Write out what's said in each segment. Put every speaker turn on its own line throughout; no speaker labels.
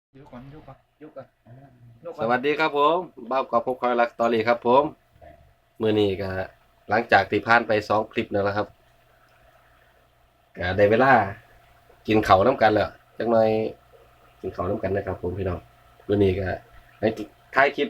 ยกก่อนยกก่อนยกก่อนยกก่
ส
อน
วัสดีครับผมบ้าวกอบพบคอยรักสตอรี่ครับผมมื้อนี้ก็หลังจากที่ผ่านไป2 คลิปแล้วครับก็ได้เวลากินข้าวน้ำกันแล้วจักหน่อยกินข้าวน้ำกันนะครับผมพี่น้องมื้อนี้ก็ในท้ายคลิป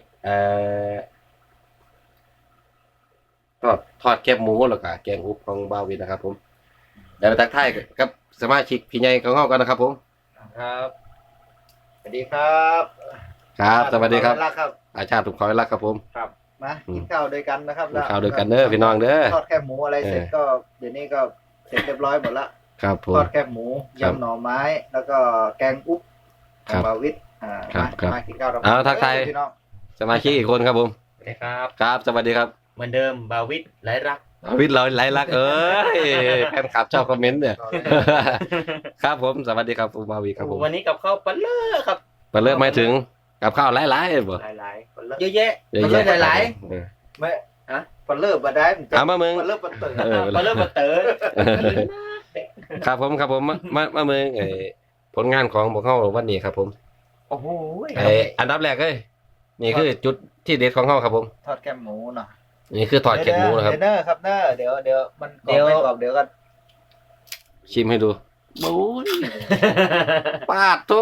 ทอดแคบหมูแล้วก็แกงอุบของบ่าววินนะครับผมเดี๋ยวไปทักทายกับสมาชิกพี่ใหญ่ของเฮากันนะครับผม
ครับสวัสดีครับ
ครับสวัสดีครับ
รักครับ
อาชาติถูกคอยรักครับผม
ครับมากินข้าวด้วยกันนะครับ
กินข้าวด้วยกันเด้อพี่น้องเด้อ
ทอดแคบหมูอะไรเสร็จก็เดี๋ยวนี้ก็เสร็จเรียบร้อยหมดละ
ครับผม
ทอดแคบหมู
ครับ
ยำหน่อไม้แล้วก็แกงอุ๊บข
ครั
อง
บ
บาวิท
ครับครับ
มากินข้าวด้วย
เอาทักทาย
พี่น้อง
สมาชิกอีกคนครับผม
สวัสดีครับ
ครับสวัสดีครับ
เหมือนเดิมบาวิทไร้รัก
วิทย์เราไร้รักเอ้ยแฟนคลับชอบคอมเมนต์เนี่ย ครับผมสวัสดีครับอุบาวีครับผม
วันนี้กับข้าวปลาเลอะครับ
มาเลิกไม่ถึงกับข้าวหลายๆบ่
หลายๆปลาเลอะ
เยอะแยะ
เยอะ
มันเลิ
แยะ
กหลาย
เออ
ๆไม่ปลาเลิกมาได้
เอามามึง
ปลาเลิกปลาเต๋อ
เออ
ปลาเลอะปลาเต๋อ
ครับผมครับผมมามึงผลงานของพวกเขาวันนี้ครับผม
โอ้โห
อันดับแรกเลยนี่คือจุดที่เด็ดของเขาครับผม
ทอดแคบหมูเนาะ
นี่คือทอดเก็ดหมูนะครับ
เด้อครับเด้อเดี๋ยวมันกรอบไม่กรอบเดี๋ยวกัน
ชิมให้ดูหมูปาดโต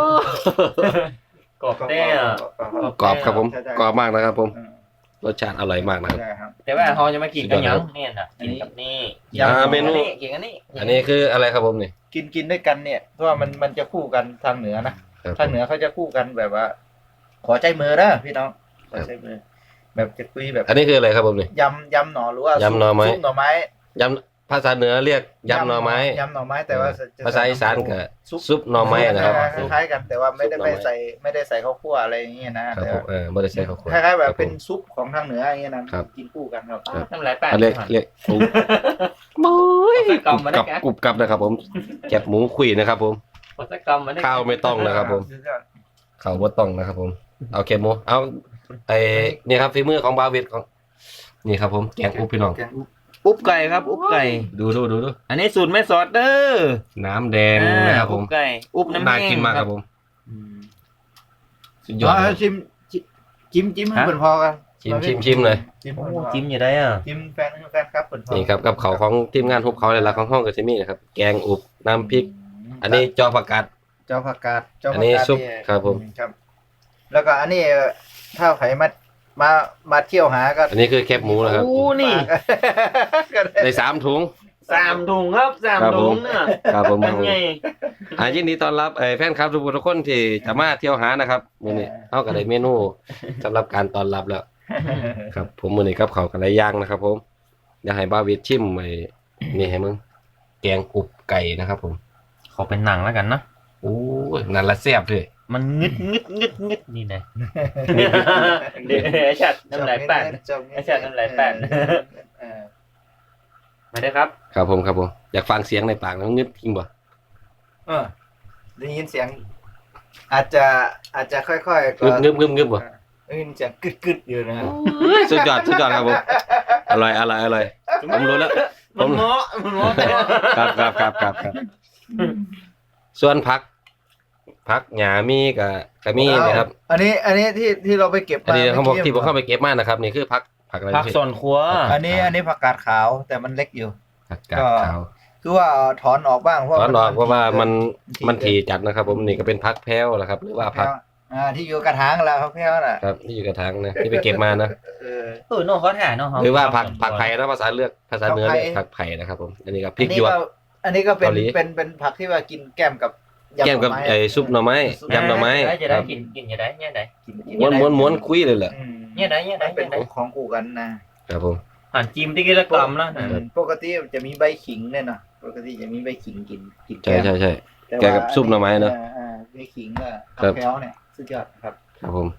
กรอบแน่อะ
กรอบครับผม
ใช่
กรอบมากนะครับผม
อืม
รสชาติอร่อยมากนะครับ
ใช่ครับ
แต่ว่าเขาจะมากินกันยัง
สุดยอดครับ
เนี่ยนะกินกับนี่
เมนู
กินกันนี่
อันนี้คืออะไรครับผมนี่
กินด้วยกันเนี่ยเพราะว่ามันจะคู่กันทางเหนือนะครับ ทางเหนือเขาจะคู่กันแบบว่า ขอใจมือนะพี่น้องขอใจมือ แบบจะคุยแบบ
อันนี้คืออะไรครับผมนี่
ยำหน่อหรือว่าย
ำหน่อไม้
ซุปหน่อไม้
ยำภาษาเหนือเรียกยำหน่อไม้
ยำหน่อไม้แต่ว่าจะ
ภาษาอีสานก็ซุปหน่อไม้นะครับ
คล้ายๆกันแต่ว่าไม่ได้
ซุปหน่อไม้
ไม่ได้ใส่ข้าวคั่วอะไรอย่างเงี้ยนะครับ แต่
ผมบ่ได้ใช้ข้าวคั่ว
คล้ายๆแบบ
ครับผม
เป็นซุปของทางเหนืออย่างเงี้ยนะครับ กินคู่กันครับ
น้ำลายแป้ง
อันเรียกหมูหมู
สักกรรมมาได้
กับ
แก
กรุบกับนะครับผมแกบหมูขุยนะครับผม
สักกรรมมาได้
ข้าวไม่ต้องนะครับผมข้าวบ่ต้องนะครับผมเอาแกบหมูเอานี่ครับฝีมือของบาเวตของนี่ครับผมแกงอุบพี่น้อง
แกงอุ๊บ
อุ๊บไก่ครับอุ๊บไก่
ดู
อันนี้สูตรแม่สอดเด้อ
น้ำแดงนะครับผม
อุ๊บไก่อุ๊บน้ำ
น่า
แห้ง
กินมากครับผม
อืม
สุดยอดครับ
จิ้มให้เปิดพอกัน
ชิมเลย
จิ้ม
โอ้
เปิดพอ
จิ้มอยู่ได้อ่ะ
จิ้มแฟนครับเปิดพอ
นี่ครับกับเขาวของทีมงานฮุบเขาเลยละของห้องกับซิมี่นะครับแกงอุบน้ำพริก อันนี้จอผักกาด
เจ้าผักกาด
อันนี้ซุปครับผม
ครับ แล้วก็อันนี้ถ้าใครมาเที่ยวหาก็
อันนี้คือแคบหมูนะครับ
โอ้นี่
ก็ได้
ใน3 ถุง
3 ถุงครับ3 ถุงเนี่ย
ครับผม
มันไง
ยินดีต้อนรับแฟนคลับทุกคนที่จะมาเที่ยวหานะครับมื้อนี้เฮาก็ได้เมนูสำหรับการต้อนรับแล้วครับ ผมมื้อนี้กับเขาวกันหลายอย่างนะครับ ผมอยากให้บาวิดชิมนี่ให้มึงแกงอุบไก่นะครับ ผม
ขอเป็นหนังแล้วกันนะ
โอ้ยนั่นละแซ่บเลย
มันงึดนี่นะเดี๋ยวไอ้ชัดน้ำลายแป้น ไอ้เจ้าน้ำลายแป้น
เออ
มาได้ครับ
ครับผมอยากฟังเสียงในปากแล้วงึดจริงบ่
เออได้ยินเสียง อาจจะค่อยๆก็
งึบบ่
ได้ยินเสียงกึดๆอยู่นะ
สุดยอดครับผมอร่อยผมรู้แล้ว
มันเหมาะ
ครับส่วนผักหญ้ามีก็มีนะครับ
อันนี้ที่เราไปเก็บ
อัน
มา
นี้เขาบอกที่ผม
มื่
เข้าไปเก็บมานะครับ นี่คือผักอะไร
ผัก
พี่
ส่วนครัว
อันนี้ผักกาดขาวแต่มันเล็กอยู่
ผักกาดขาว
คือว่าถอนออกบ้างเพราะ
ตอนออกเพราะว่ามัน
มัน
ถี่จัดนะครับ ผมนี่ก็เป็นผักแพ้วแหละครับ หรือว่าผัก
ที่อยู่กระถางแล้วครับพี่เขาน่ะ
ครับที่อยู่กระถางนะที่ไปเก็บมานะ
เออ
น้องเขาถ่ายน้องเขา
หรือว่าผักไผ่นะภาษาเหนือเรียกผักไผ่นะครับ ผมอันนี้ก็พริกหยวก
อันนี้ก็เป็น
เกาหลี
เป็นผักที่ว่ากินแก้มกับ
แก้มกับซุปหน่อไม้ยำหน่อไม้
จะได้กินจะได้เนี่ยได้
ม้วนคุยเลยแหละ
เนี่ยได้
เป็นของคู่กันนะครับ
ผม
หั่นจิ้มที่กิโลกรัมแล้ว
ปกติจะมีใบขิงเนี่ยนะปกติจะมีใบขิงกิน
ใช่ แกงกับซุปหน่อไม้เนอะ
ใบขิงก็
ครับ
แพ้วเนี่ยสุดยอดครับ
ครับผม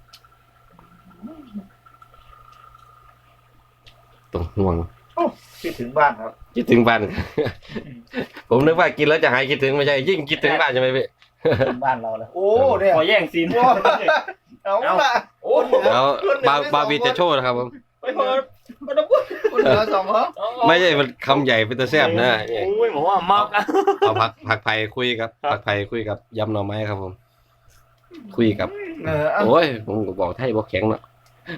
ต้องห่วง
คิดถึงบ้านครับ
คิดถึงบ้าน ผมนึกว่ากินแล้วจะหายคิดถึงไม่ใช่ยิ่งคิดถึงบ้านใช่ไหมพี่
ถึงบ้านเราเลยโอ้เนี่ย
ขอแย่งซีน
เอาละ
โอ้
แล้วบาวีจะโชว์นะครับผม
ไปเปิด
คุณเหลือสองเหรอ
ไม่ใช่มันคำใหญ่เป็นตัวแซ่บนะ
โอ้ยหมอว่ามากนะ
เอาผักไผ่คุยกับยำหน่อไม้ครับผมคุยกับ
เอา
โอ้ยผมก็บอกไทยบอกแข็งเนาะ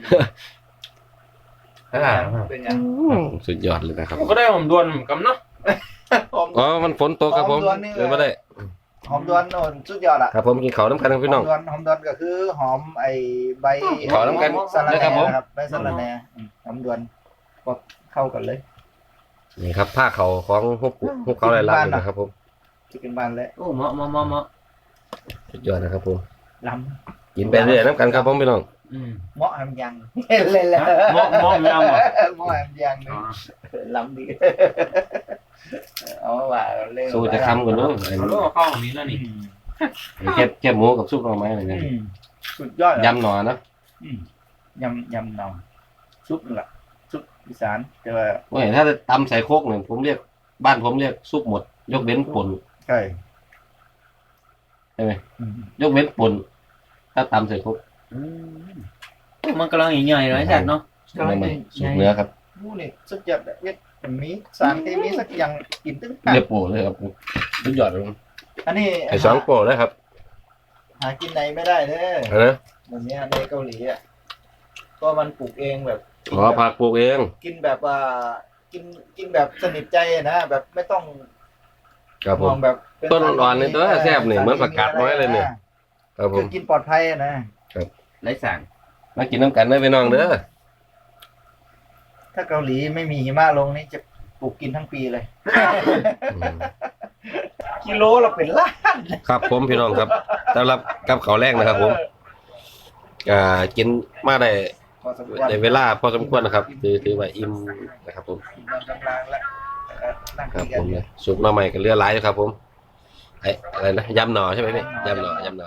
เป็นไง
สุดยอดเลยนะครับ
ผมก็ได้ผมดวนเหมือนกันเนาะ
หอม
อ๋อมันฝนตกครับผม
หอมดวนนี่
เดินมาได้
หอมดวนโน่นสุดยอดอ่ะ
ครับผมกินข้าวน้ำกันครับพี่น้อง
หอมดวนก็คือหอมไอใบ
ขอน้ำกัน
สะระ
นะ
แห
ครับผม
น่ครับใบสะระแหน่หอมดวนก็เข้ากันเลย
นี่ครับผ้าเขาของพวกเขาหลายร้านเลยนะครับผม
จะเป็นบ้านแล้ว
โอ้เหมาะ
สุดยอดนะครับผม
ล
กินไปเรื่อยน้ำกันครับผมพี่น้อง
ำเหมาะแฮมยังเล่นแล้ว
เหมาะยังเหรอ
เหมาะแฮมยังนึงลำดีเอาว่าเล่น
สู้จะคำกันเนาะ
เขาลูกเข้าอย่างนี้แล้วนี่
แค่หมูกับซุปหน่อไม้อะไรเงี้ย
สุดยอด
ยำหน่อนะ
ยำหน่อซุปนั่นแหละซุปอีสานแต่ว่า
โอ้ยถ้าตำใส่โคกเนี่ยผมเรียกบ้านผมเรียกซุปหมด ยกเว้นป่น
ใช่
ใช่ไหมยกเว้นป่นถ้าตำใส่โคก
มันกำลังใหญ่ๆเลยจัดเนาะ
สูตรมันสูตรเนื้อครับ
มูนี่สุดยอดแบบเวียดมีสารเคมีสักอย่างกินตึ้ง
เรียบโปเลยครับสุดยอดเลย
อันนี้
ไข่สองโปเลยครับ
หากินไหนไม่ได้เด้อ
เห็นไหม
แบบเนี้ยในเกาหลีอ่ะก็มันปลูกเองแบบ
อ๋อผักปลูกเอง
กินแบบว่ากินแบบสนิทใจนะแบบไม่ต้อง
ครับผม
มองแบบเป็
ต้นอ่อนๆนี่ตัวแซ่บนี่เหมือนผักกาดน้อยเลยเนี่ย ครับผ
คื
ม
อกินปลอดภัยนะ
ไรสาร
มากินน้ำกันได้พี่น้องเด้อ
ถ้าเกาหลีไม่มีหิมะลงนี่จะปลูกกินทั้งปีเลย
อืม
กิโลเราเป็นล้าน
ครับผมพี่น้องครับต้อนรับกับข้าวแรกนะครับผมกินมาได้
พอสมควร
ในเวลาพอสมควรนะครับถือว่าอิ่มนะครับผม
กินกำลังแล้วนั่ง
ครั
คุ
บ
ยกั
ผ
น
ม
อยู่
เนี่ยสุกหน่อใหม่กับเรือหลายอยู่ครับผมไอ้อะไรนะยำหน่อใช่ไหมพี่ยำหน่อืม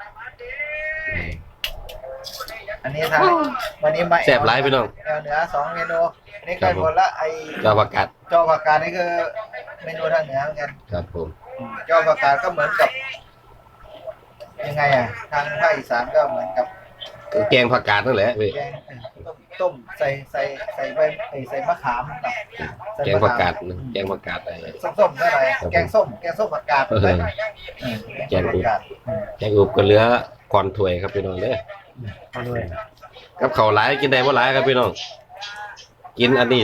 อันนี้ทางวันนี้มา
แซ่บหลายพี่น้อง
แอวเหนือ2 เมนูอันนี้
ครั
ใกล้
บผม
หมดละไอ
จอผักกาด
จอผักกาดนี่คือเมนูทางเหนือเหมือนกัน
ครับผม
จอผักกาดก็เหมือนกับยังไงอ่ะทางภาคอีสานก็เหมือนกับ
แกงผักกาดนั่นแหละพี่
แกงต้มใส่ใบใส่มะขามกับใส่
แกง
มะ
ผัก
ขาม
กาดนะแกงผักกาดอะไร
ส้มๆได้ไหมแกงส้มผักกาด
เออ
แกงผักกาด
แกงอุบกับเรือก่อนถ้วยครับพี่น้องเด้อ
เอาด้วย
กับข้าวหลายกินได้บ่หลายครับพี่น้องกินอันนี้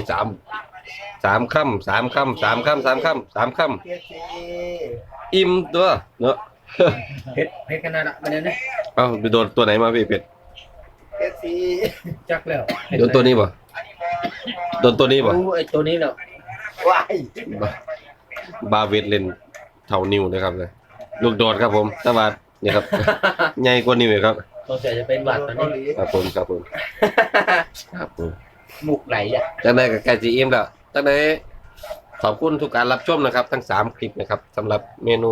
3 ค่ำ
เพียซี
อิ่มตัวเนาะ
เผ็ดขนาดละประเด็นนี้
เอ้าไปโดนตัวไหนมาพี่เป็ด
เพียซี
จักแล้ว
โดนตัวนี้บ่โดนตัวนี้บ่
ไอ้ตัวนี้แล้ว
ว้าย
บาเวทเลนเท่านิ้วนะครับเลยลูกโดดครับผมแต่ว่านี่ครับ ใหญ่กว่านิ้วอีกครับ
ตัวเสียจะเป็นหวัดตอนนี้
ครับผมครับผมครับผม
หมุกไหลอ่ะ
จังไดกับไก่จีเอ็มแล้วจังไดขอบคุณทุกการรับชมนะครับ ทั้ง3คลิปนะครับสำหรับเมนู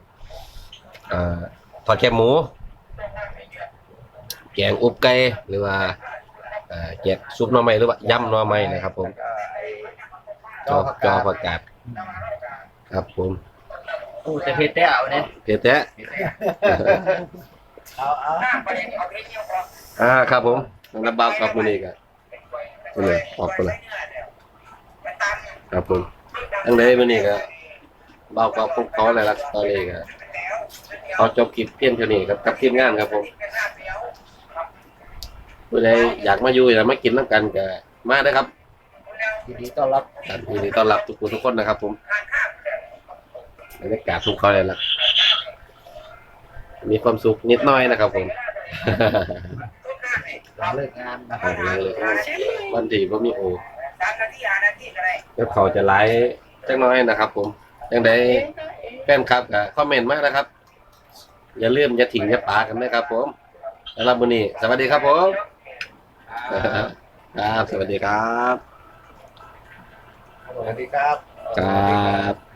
ทอดแคบหมูแกงอบไก่หรือว่าแกงซุปหน่อไม้หรือว่ายำหน่อไม้นะครับผม
แล้วก็ไอ้
จอผักกาดครับผม
โอ้แต่เผ็ดแต่เอาเนี่ย
เพียแตะ
เอา
ครับผมน้ำบาปกับมือนี้กันเลยออกไปเลยครับผมตั้งแต่มือนี้ก็บาปกับพวกเขาอะไรล่ะตอนนี้ก็เขาจบคลิปเพี้ยนเท่านี้ครับกับทีมงานครับผมเมื่อใดอยากมาอยู่อยากมากินน้ำกันก็มาได้ครับ
ยินดีต้อนรับ
ยินดีต้อนรับทุกคนนะครับผมบรรยากาศทุกเขาเลยล่ะมีความสุขนิดหน่อยนะครับผม
หลังเลิกงานนะ
ของเลยวันที่บ่มีโอแล้วเขาจะไลฟ์จังน้อยนะครับ ผมยังไดแฟนคลับก็คอมเมนต์มานะครับ อย่าลืมอย่าทิ้งอย่าปากันนะครับ ผมสำหรับมื้อนี้สวัสดีครับผมครับสวัสดีครับ
สวัสดีครับ
ครับ